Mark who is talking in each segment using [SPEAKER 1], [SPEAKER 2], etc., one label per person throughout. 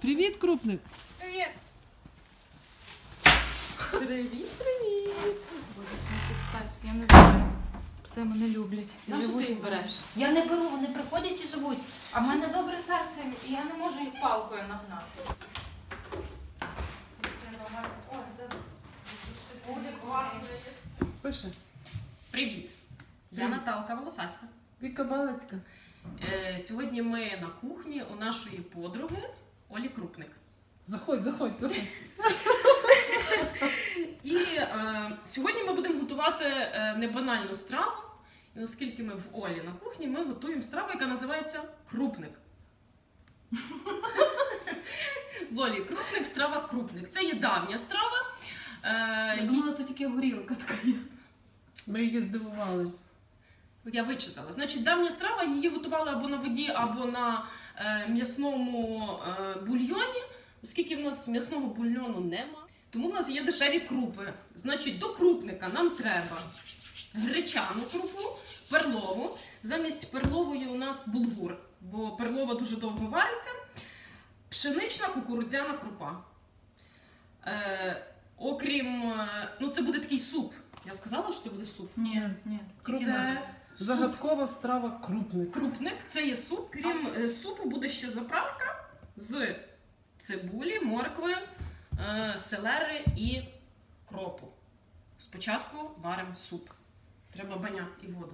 [SPEAKER 1] Привіт, крупник!
[SPEAKER 2] Привіт! Привіт! Боже, який Стась, я не знаю. Пси мене люблять.
[SPEAKER 3] На що ти їх береш?
[SPEAKER 2] Я не беру, вони приходять і живуть. А в мене добре серце, і я не можу їх палкою нагнати.
[SPEAKER 1] Пише.
[SPEAKER 3] Привіт! Я Наталка Волосацька.
[SPEAKER 1] Віка Балицька.
[SPEAKER 3] Сьогодні ми на кухні у нашої подруги Олі Крупник.
[SPEAKER 1] Заходь, заходь.
[SPEAKER 3] І сьогодні ми будемо готувати небанальну страву. І оскільки ми в Олі на кухні, ми готуємо страву, яка називається крупник. В Олі крупник, страва крупник. Це є давня страва.
[SPEAKER 2] Я думала, тут тільки горілка така є.
[SPEAKER 1] Ми її здивували.
[SPEAKER 3] Я вичитала. Значить, давня страва, її готували або на воді, або на м'ясному бульйоні, оскільки в нас м'ясного бульйону нема. Тому в нас є дешеві крупи. Значить, до крупника нам треба гречану крупу, перлову. Замість перлової у нас булгур, бо перлова дуже довго вариться. Пшенична кукурудзяна крупа. Окрім, ну це буде такий суп. Я сказала, що це буде суп?
[SPEAKER 2] Ні.
[SPEAKER 1] Це загадкова страва крупник.
[SPEAKER 3] Крупник – це є суп. Крім супу буде ще заправка з цибулі, моркви, селери і кропу. Спочатку варимо суп. Треба баняк і воду.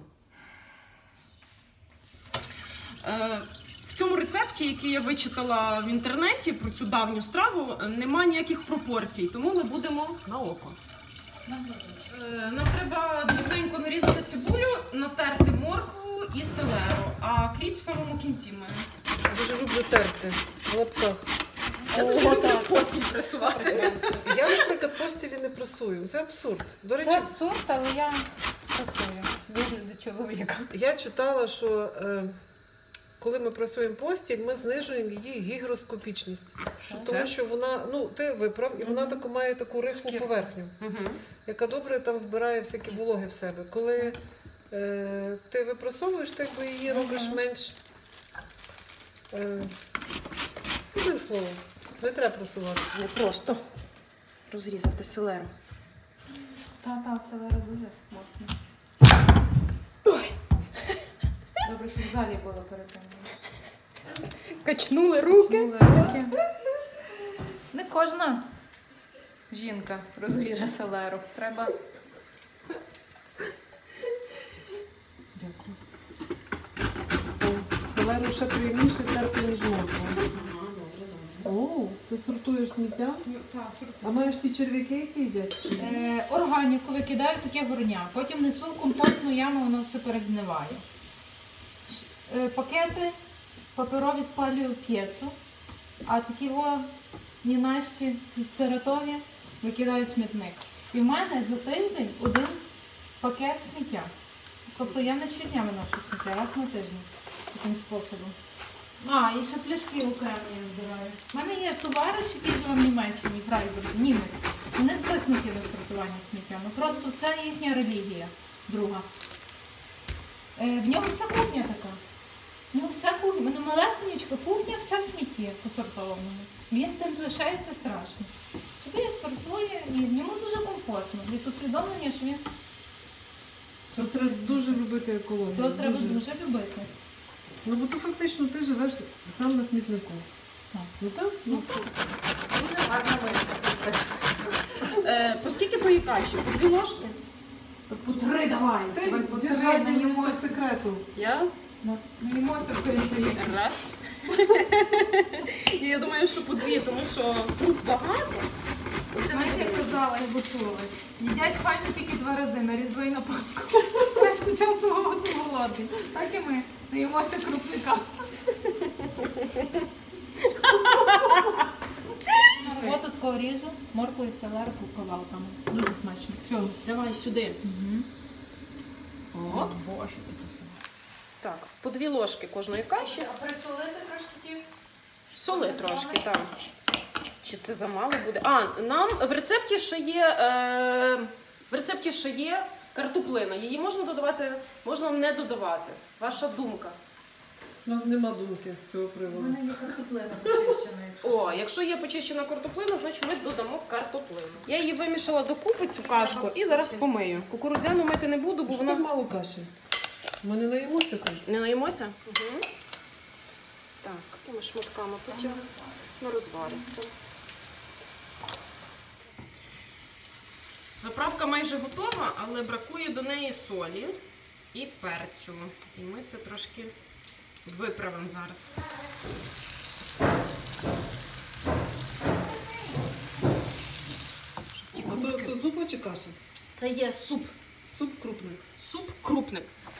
[SPEAKER 3] В цьому рецепті, який я вичитала в інтернеті про цю давню страву, немає ніяких пропорцій, тому ми будемо на око. Нам треба дрібненько нарізати цибулю, натерти моркву і селеру, а кріп в самому кінці ми.
[SPEAKER 1] Я дуже люблю терти в лапках.
[SPEAKER 3] Я дуже люблю постіль пресувати.
[SPEAKER 1] Я, наприклад, постілі не пресую. Це абсурд. До речі,
[SPEAKER 2] Це абсурд, але я працюю. Вигляд чоловіка.
[SPEAKER 1] я читала, що коли ми пресуємо постіль, ми знижуємо її гігроскопічність. Тому що вона, ну, ти виправ, і вона має таку рихлу поверхню, яка добре там вбирає всякі вологи в себе. Коли ти випрасовуєш, ти якби її робиш менш, одним словом, не треба прасувати.
[SPEAKER 3] Не просто розрізати селеру.
[SPEAKER 2] Та, селера дуже моцно. Добре, що в залі було перед тим.
[SPEAKER 3] Качнули руки.
[SPEAKER 2] Не кожна жінка розріже селеру. Треба.
[SPEAKER 1] Дякую. Селеру ще приємніше терти, ніж моркву. О, ти сортуєш сміття?
[SPEAKER 2] Так,
[SPEAKER 1] А маєш ті черв'яки, які їдять?
[SPEAKER 2] органіку викидаю таке горня. Потім несу в компостну яму, воно все перегниває. Пакети паперові складаю в п'єцу, а такі нінащі цератові викидаю в смітник. І в мене за тиждень один пакет сміття. Тобто я не щодня виношу сміття, раз на тиждень таким способом. І ще пляшки окремо я збираю. У мене є товариш, який живе в Німеччині, Фрайбурзі, німець. Вони звикнуті до сортування сміття. Ну просто це їхня релігія друга. В нього вся кухня така. В нього вся кухня, в мене малесенечка кухня, вся в смітті посортованому. Він тим лишається страшно. Собі сортує і в ньому дуже комфортно. Від усвідомлення, що він...
[SPEAKER 1] То треба дуже любити екологію.
[SPEAKER 2] То треба дуже любити.
[SPEAKER 1] Ну, бо то фактично ти живеш сам на смітнику.
[SPEAKER 2] Так.
[SPEAKER 1] Ну так? Ну,
[SPEAKER 2] Дуже гарно виставити.
[SPEAKER 3] По скільки твої каші? По 2 ложки?
[SPEAKER 2] Так по 3 давай.
[SPEAKER 1] Ти держання секрету.
[SPEAKER 3] Я?
[SPEAKER 2] Наїмося в період.
[SPEAKER 3] Раз. І я думаю, що по 2, тому що тут багато.
[SPEAKER 2] Знаєте, як казала, я почула. Їдять файно тільки 2 рази, на Різдво і на Пасху. Решту часу голодний. Так і ми наїмося крупника. Ось тут поріжу моркву і селеру кавалками. Дуже смачно.
[SPEAKER 3] Все, давай сюди. От.
[SPEAKER 2] Боже.
[SPEAKER 3] Так, по 2 ложки кожної каші.
[SPEAKER 2] А присолити трошки?
[SPEAKER 3] Соли трошки, так. Чи це замало буде? Нам в рецепті ще є картоплина. Її можна додавати, можна не додавати. Ваша думка.
[SPEAKER 1] У нас нема думки з цього
[SPEAKER 2] У
[SPEAKER 1] приводу.
[SPEAKER 2] мене є картоплина почищена, якщо.
[SPEAKER 3] О, якщо є почищена картоплина, значить ми додамо картоплину. Я її вимішала докупи, цю кашку, і зараз помию. Кукурудзяну мити не буду, бо
[SPEAKER 1] Що так
[SPEAKER 3] вона...
[SPEAKER 1] мало каші? Ми не наїмося там.
[SPEAKER 3] Не наїмося? Угу. Так, такими шматками потім не розвариться. Заправка майже готова, але бракує до неї солі і перцю. І ми це трошки виправимо зараз.
[SPEAKER 1] А то зупа чи каша?
[SPEAKER 3] Це є суп.
[SPEAKER 1] Суп крупний.
[SPEAKER 3] Суп крупник.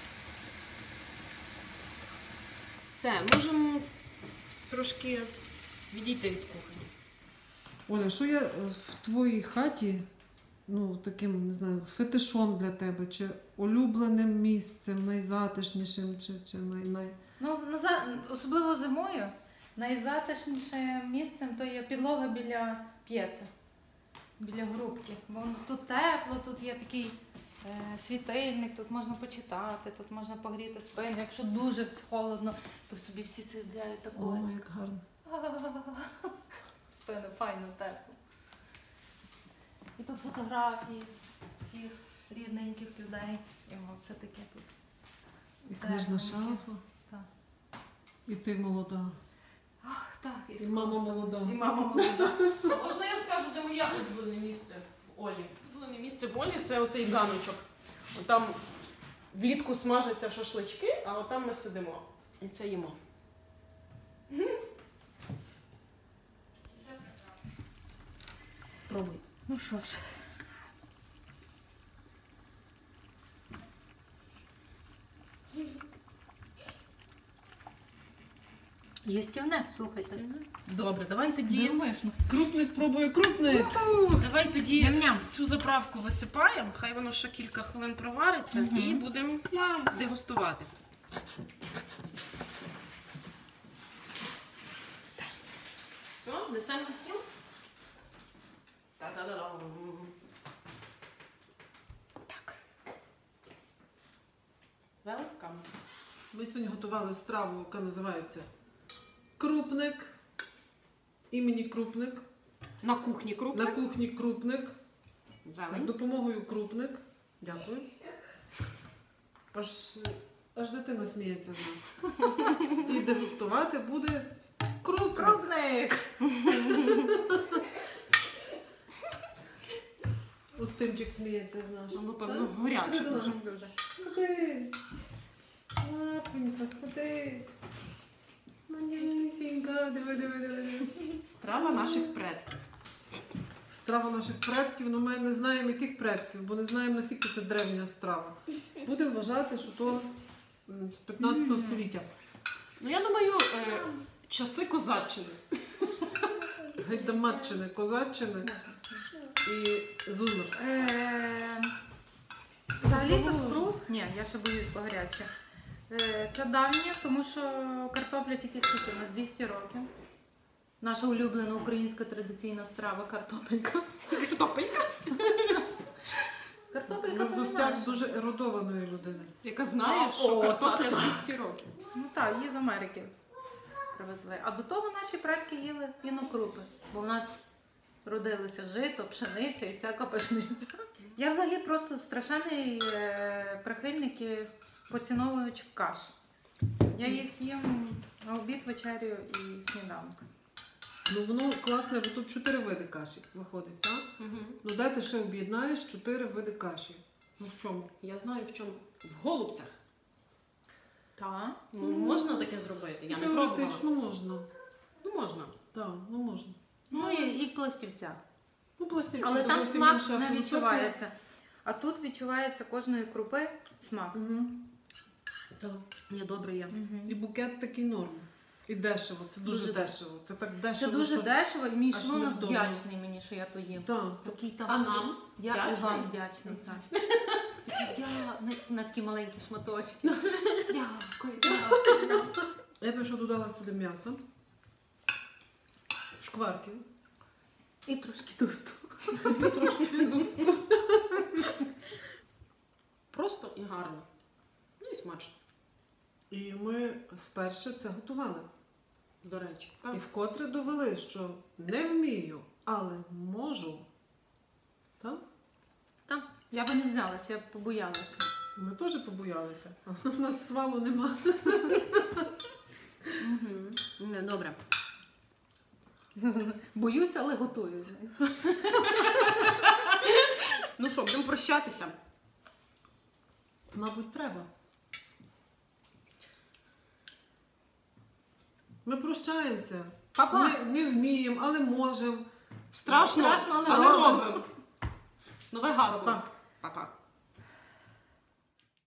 [SPEAKER 3] Все, можемо трошки відійти від кухні.
[SPEAKER 1] Оля, що є в твоїй хаті, ну, таким, не знаю, фетишом для тебе, чи улюбленим місцем, найзатишнішим, чи най...
[SPEAKER 2] Ну, особливо зимою, найзатишнішим місцем то є підлога біля п'єца, біля грубки. Бо тут тепло, тут є такий світильник, тут можна почитати, тут можна погріти спину. Якщо дуже холодно, то собі всі сидять
[SPEAKER 1] О,
[SPEAKER 2] такою.
[SPEAKER 1] як гарно.
[SPEAKER 2] Спину файно, тепло. І тут фотографії всіх рідненьких людей. І воно все таке тут.
[SPEAKER 1] І книжна
[SPEAKER 2] Так,
[SPEAKER 1] шафа.
[SPEAKER 2] так.
[SPEAKER 1] І ти молода.
[SPEAKER 2] Так,
[SPEAKER 1] І мама молода.
[SPEAKER 2] І мама молода.
[SPEAKER 3] Можна я скажу, де моє улюблене місце в Олі? Улюблене місце в Олі – це оцей ганочок. От там влітку смажаться шашлички, а от там ми сидимо. І це їмо. Пробуй.
[SPEAKER 2] Ну що ж. Їстівне, слухайте.
[SPEAKER 3] Добре, давай тоді.
[SPEAKER 2] Дивишно.
[SPEAKER 1] Крупник пробує крупник.
[SPEAKER 3] Давай тоді
[SPEAKER 2] Ням-ням.
[SPEAKER 3] цю заправку висипаємо, хай воно ще кілька хвилин провариться і будемо дегустувати. Все. Все, несемо на стіл? Та-да-да-дам. Так. Welcome.
[SPEAKER 1] Ми сьогодні готували страву, яка називається крупник. Імені крупник.
[SPEAKER 3] На кухні
[SPEAKER 1] На
[SPEAKER 3] крупник.
[SPEAKER 1] кухні крупник. З
[SPEAKER 3] Зелень.
[SPEAKER 1] допомогою крупник. Дякую. Аж дитина сміється з нас. І дегустувати буде крупник.
[SPEAKER 2] Крупник!
[SPEAKER 1] Устимчик сміється з нас.
[SPEAKER 3] Ну, певно, горяче
[SPEAKER 1] Ходи до нас.
[SPEAKER 3] дуже.
[SPEAKER 1] Ходи. Лапонька, ходи. Манюсінька, диви.
[SPEAKER 3] Страва наших предків.
[SPEAKER 1] Страва наших предків, ну ми не знаємо, яких предків, бо не знаємо, наскільки це древня страва. Будемо вважати, що то з 15 століття.
[SPEAKER 3] Ну, я думаю, часи козаччини.
[SPEAKER 1] Гайдамаччини, козаччини і зумер.
[SPEAKER 2] Взагалі-то скру. Ні, я ще боюсь, бо гаряче. Це давнє, тому що картопля тільки скільки, у нас 200 років. Наша улюблена українська традиційна страва картопелька.
[SPEAKER 3] Картопелька.
[SPEAKER 2] Картопелька
[SPEAKER 1] Ми в
[SPEAKER 2] то не
[SPEAKER 1] гостях
[SPEAKER 2] наша.
[SPEAKER 1] дуже ерудованої людини.
[SPEAKER 3] Яка знає, що картопля 200 років.
[SPEAKER 2] Ну так, її з Америки привезли. А до того наші предки їли інокрупи, бо в нас родилося жито, пшениця і всяка пшениця. Я взагалі просто страшенний прихильник і поціновувач каш. Я їх їм на обід, вечерю і сніданок.
[SPEAKER 1] Ну воно класне, бо тут 4 види каші виходить, так? Ну де ти ще об'єднаєш 4 види каші? Ну в чому?
[SPEAKER 3] Я знаю в чому. В голубцях.
[SPEAKER 2] Так.
[SPEAKER 3] Ну, можна таке зробити? Я не пробувала.
[SPEAKER 1] Теоретично можна.
[SPEAKER 3] Ну, можна.
[SPEAKER 1] Так, ну можна.
[SPEAKER 2] Ну і в пластівцях.
[SPEAKER 1] Ну, пластівці
[SPEAKER 2] Але
[SPEAKER 1] то
[SPEAKER 2] там
[SPEAKER 1] зовсім
[SPEAKER 2] смак
[SPEAKER 1] інша
[SPEAKER 2] не
[SPEAKER 1] філософія.
[SPEAKER 2] відчувається. А тут відчувається кожної крупи смак.
[SPEAKER 1] Так.
[SPEAKER 3] Ні, добре є.
[SPEAKER 1] І букет такий норм. І дешево, це дуже
[SPEAKER 2] Дуже
[SPEAKER 1] дешево. Це так
[SPEAKER 2] Це
[SPEAKER 1] дешево.
[SPEAKER 2] дуже
[SPEAKER 1] що...
[SPEAKER 2] дешево, і мій
[SPEAKER 1] аж
[SPEAKER 2] шлунок
[SPEAKER 1] невдобно.
[SPEAKER 2] вдячний мені, що я то їм.
[SPEAKER 1] Так.
[SPEAKER 2] Такий там.
[SPEAKER 3] А нам?
[SPEAKER 2] Я і
[SPEAKER 3] Вдячний?
[SPEAKER 2] вам вдячний. Так. Я на такі маленькі шматочки. Дякую.
[SPEAKER 1] Я б ще додала сюди м'ясо, шкварків.
[SPEAKER 2] І трошки тусту.
[SPEAKER 1] І трошки відусту.
[SPEAKER 3] Просто і гарно. Ну і смачно.
[SPEAKER 1] І ми вперше це готували.
[SPEAKER 3] До речі.
[SPEAKER 1] І вкотре довели, що не вмію, але можу. Так?
[SPEAKER 3] Так.
[SPEAKER 2] Я би не взялася, я б побоялася.
[SPEAKER 1] Ми теж побоялися. У нас свалу нема.
[SPEAKER 3] Не, добре.
[SPEAKER 2] Боюся, але готую. знаєш.
[SPEAKER 3] Ну що, будемо прощатися.
[SPEAKER 1] Мабуть, треба. Ми прощаємося.
[SPEAKER 2] Па-па!
[SPEAKER 1] Не вміємо, але можемо.
[SPEAKER 3] Страшно,
[SPEAKER 2] Страшно, але
[SPEAKER 3] але
[SPEAKER 2] робимо.
[SPEAKER 3] робимо. Нове гасло.
[SPEAKER 1] Па-па.
[SPEAKER 3] Па-па.